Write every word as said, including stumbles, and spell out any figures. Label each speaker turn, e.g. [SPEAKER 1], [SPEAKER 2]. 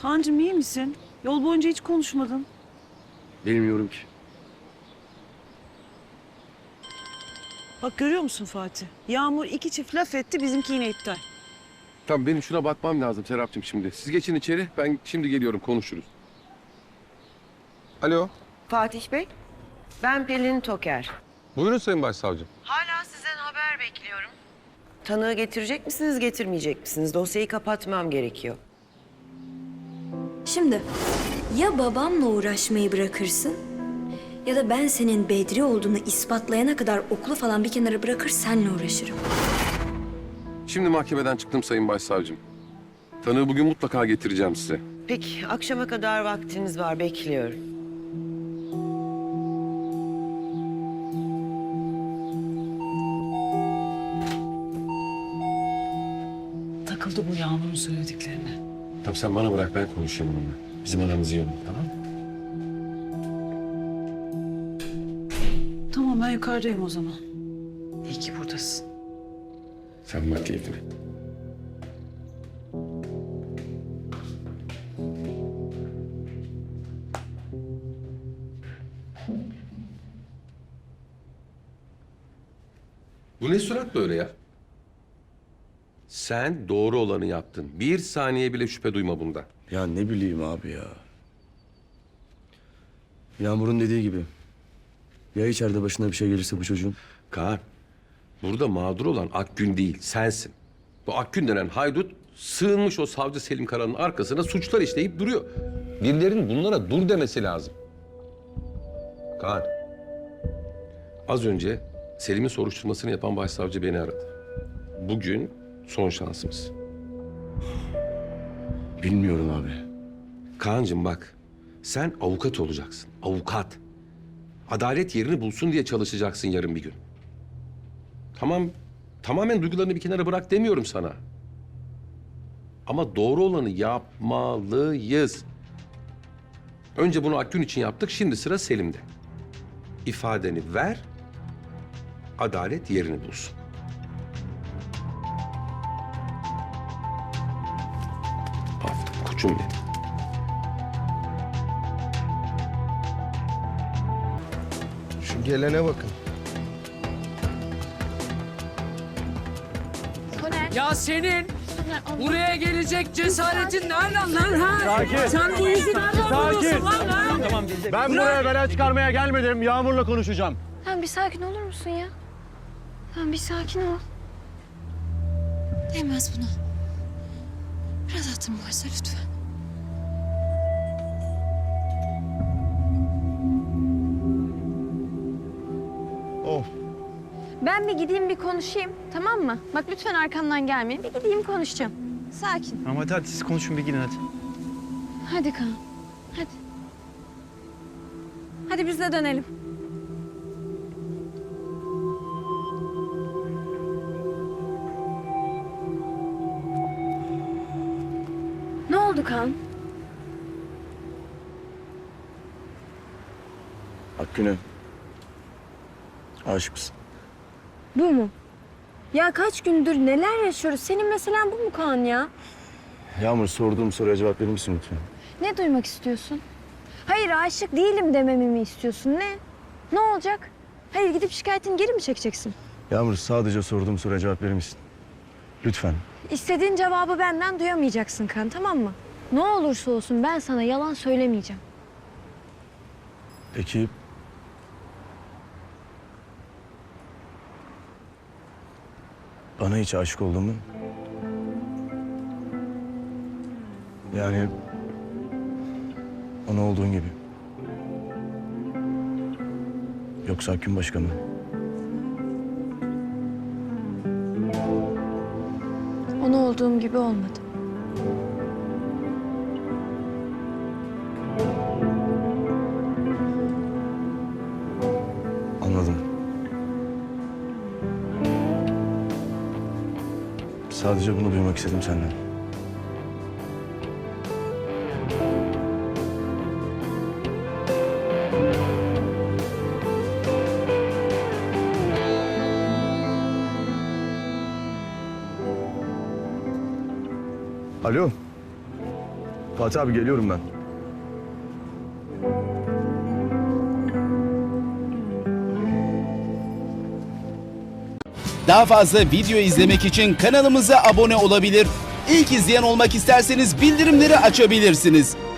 [SPEAKER 1] Kaan'cığım iyi misin? Yol boyunca hiç konuşmadın.
[SPEAKER 2] Bilmiyorum ki.
[SPEAKER 1] Bak görüyor musun Fatih? Yağmur iki çift laf etti, bizimki yine iptal.
[SPEAKER 2] Tamam, benim şuna bakmam lazım Serapcığım şimdi. Siz geçin içeri, ben şimdi geliyorum, konuşuruz. Alo.
[SPEAKER 3] Fatih Bey, ben Pelin Toker.
[SPEAKER 2] Buyurun Sayın Başsavcım.
[SPEAKER 3] Hala sizden haber bekliyorum. Tanığı getirecek misiniz, getirmeyecek misiniz? Dosyayı kapatmam gerekiyor.
[SPEAKER 4] Şimdi ya babamla uğraşmayı bırakırsın ya da ben senin Bedri olduğunu ispatlayana kadar okulu falan bir kenara bırakır seninle uğraşırım.
[SPEAKER 2] Şimdi mahkemeden çıktım Sayın Başsavcım. Tanığı bugün mutlaka getireceğim size.
[SPEAKER 3] Peki, akşama kadar vaktiniz var, bekliyorum.
[SPEAKER 1] Takıldı bu Yağmur'un söylediklerine.
[SPEAKER 2] Tamam, sen bana bırak, ben konuşayım onunla. Bizim aramız iyi olur, tamam mı?
[SPEAKER 1] Tamam ben yukarıdayım o zaman. İyi ki buradasın.
[SPEAKER 2] Sen bak keyfine. Bu ne surat böyle ya? Sen doğru olanı yaptın. Bir saniye bile şüphe duyma bundan.
[SPEAKER 5] Ya ne bileyim abi ya. Yağmur'un dediği gibi. Ya içeride başına bir şey gelirse bu çocuğun?
[SPEAKER 2] Kaan, burada mağdur olan Akgün değil, sensin. Bu Akgün denen haydut sığınmış o savcı Selim Kara'nın arkasına suçlar işleyip duruyor. Birilerinin bunlara dur demesi lazım. Kaan, az önce Selim'in soruşturmasını yapan başsavcı beni aradı. Bugün son şansımız.
[SPEAKER 5] Bilmiyorum abi.
[SPEAKER 2] Kaan'cığım bak, sen avukat olacaksın, avukat. Adalet yerini bulsun diye çalışacaksın yarın bir gün. Tamam, tamamen duygularını bir kenara bırak demiyorum sana. Ama doğru olanı yapmalıyız. Önce bunu Akgün için yaptık, şimdi sıra Selim'de. İfadeni ver, adalet yerini bulsun. Aferin koçum benim.
[SPEAKER 6] Şu gelene bakın.
[SPEAKER 7] Ya senin buraya gelecek cesaretin nereden lan ha?
[SPEAKER 8] Sakin.
[SPEAKER 7] Sen bu yüzü nereden buluyorsun lan ha?
[SPEAKER 8] Tamam, ben buraya bela çıkarmaya gelmedim. Yağmur'la konuşacağım.
[SPEAKER 4] Tamam bir sakin olur musun ya? Tamam bir sakin ol.
[SPEAKER 9] Değmez buna. Biraz hatırım varsa lütfen.
[SPEAKER 6] Of.
[SPEAKER 9] Ben bir gideyim bir konuşayım, tamam mı? Bak lütfen arkamdan gelmeyin. Bir gideyim konuşacağım. Sakin.
[SPEAKER 8] Ama hadi, hadi siz konuşun bir gidin hadi.
[SPEAKER 9] Hadi Kaan. Hadi. Hadi biz de dönelim.
[SPEAKER 4] Ne oldu Kaan?
[SPEAKER 5] Akgün'e aşık mısın?
[SPEAKER 4] Bu mu? Ya kaç gündür neler yaşıyoruz? Senin meselen bu mu Kaan ya?
[SPEAKER 5] Yağmur, sorduğum soruya cevap verir misin lütfen?
[SPEAKER 9] Ne duymak istiyorsun? Hayır aşık değilim dememi mi istiyorsun? Ne? Ne olacak? Hayır gidip şikayetini geri mi çekeceksin?
[SPEAKER 5] Yağmur, sadece sorduğum soruya cevap verir misin? Lütfen.
[SPEAKER 9] İstediğin cevabı benden duyamayacaksın Kaan, tamam mı? Ne olursa olsun ben sana yalan söylemeyeceğim.
[SPEAKER 5] Peki... Bana hiç aşık oldun mu? Yani... Ona olduğun gibi. Yoksa Akgün başka mı?
[SPEAKER 9] Ona olduğum gibi olmadı.
[SPEAKER 5] Anladım. Sadece bunu duymak istedim senden. Alo. Fatih abi geliyorum ben.
[SPEAKER 10] Daha fazla video izlemek için kanalımıza abone olabilir. İlk izleyen olmak isterseniz bildirimleri açabilirsiniz.